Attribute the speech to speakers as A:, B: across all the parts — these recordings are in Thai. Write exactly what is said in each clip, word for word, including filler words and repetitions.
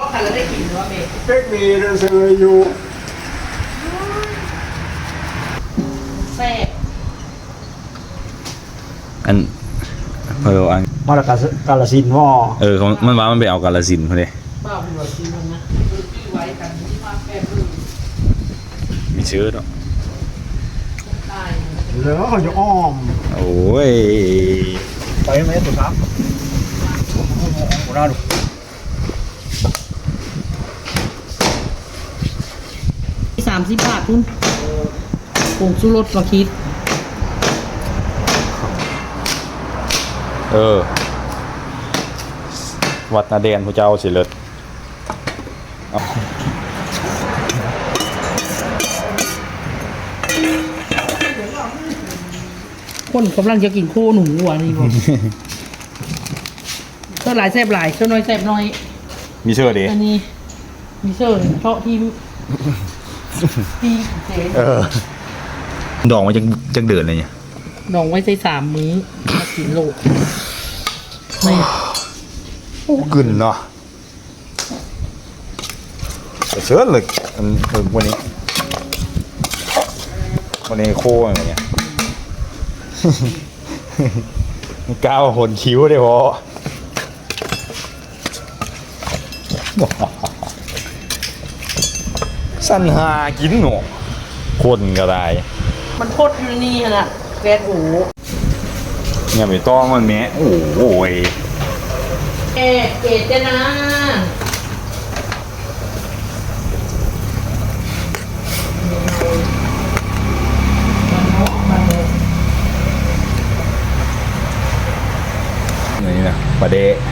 A: ก็คันแล้วได้กินหรือว่าเบรก
B: เป๊กมีเรื่องเสยอยู่
A: แซ่บ
C: อันเพออัน
B: มาจากกาลสินธุ์ว่า
C: เออเขามันว่ามันไปเอากาลสินธุ์พอดี
A: เปล่าเป็นแบบซีมันนะคือที่ไว้กันที่มาแปบเลย
C: มีชื่อเนาะ
A: ตาย
B: เหลือเขาจะอ้อม
C: โอ้ย
B: ไปไหมตุ๊กครับโอ้โหน่าดู
A: สามสิบบาทพุ่นผงชูรสมาคิด
C: เออวัดนาเดนพระเจ้าสิเลิศเอา
A: คนกำลังจะกินโคหนูหัวนี่บอกเท่าหลายแซ่บหลายเท่าน้อยแซ่บน้อย
C: มีชื่อดิ
A: อันนี้มีเชิญเพราะที่ที่เจ๊
C: เออดองมาจังจังเดือนเลยเนี่ย
A: ดองไว้ใส่สามมื้อมากินโลกไม่
C: โอ้กึ่นเนาะเชิญเลยอันเออวันนี้วันนี้โค้งอะไรเงี้ย ก้าวหนคิ้วได้พอ สั้นหากินหนูคนก็ได้
A: มันโคตรอยู่นี่ขนาดแกนหู
C: เนี่ยไปต้องมันแม้โอ้โหย
A: เอเอเจนะ
C: นี่นะประเดะ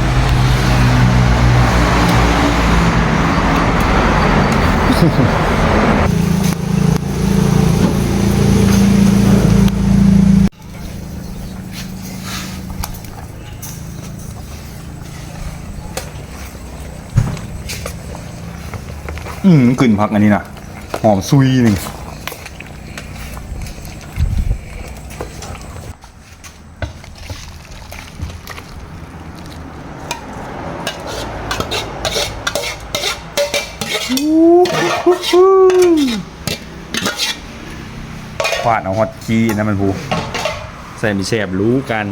C: อืมกลิ่นผักอันนี้นะหอมซุยหนึ่งควาดเอาฮอตคีนะมันพูใส่มีแสบรู้กัน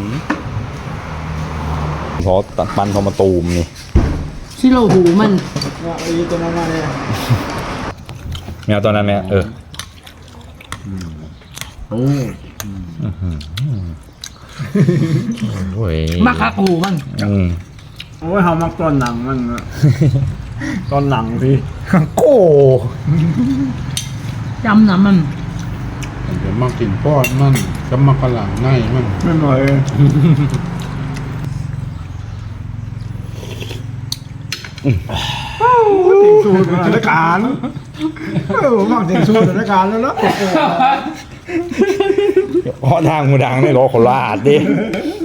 C: เพราะตัดปันเขามาตูมนี่
A: ชิโรหูมัน
B: ว่าไอ้ตัวนั้นมาเนี่ย
C: แมวตอนนั้นแม่เออ
B: โอ้
C: โอ้ย
A: มาคักหูมัน
C: อืม
B: โอ้ยเขามักตอนหนังมันอะตอนหนังสิ
C: โก้
A: จำนะมัน
D: เดี๋ยวมากินปอดมันก็มากระหลังในมัน
B: ไม่หน่อยติงสูตรสถานการณ์เออผมมักติงสูตรสถานการณ์แล้วเนาะ
C: เพราะทางมูดังในรถโคราชดิ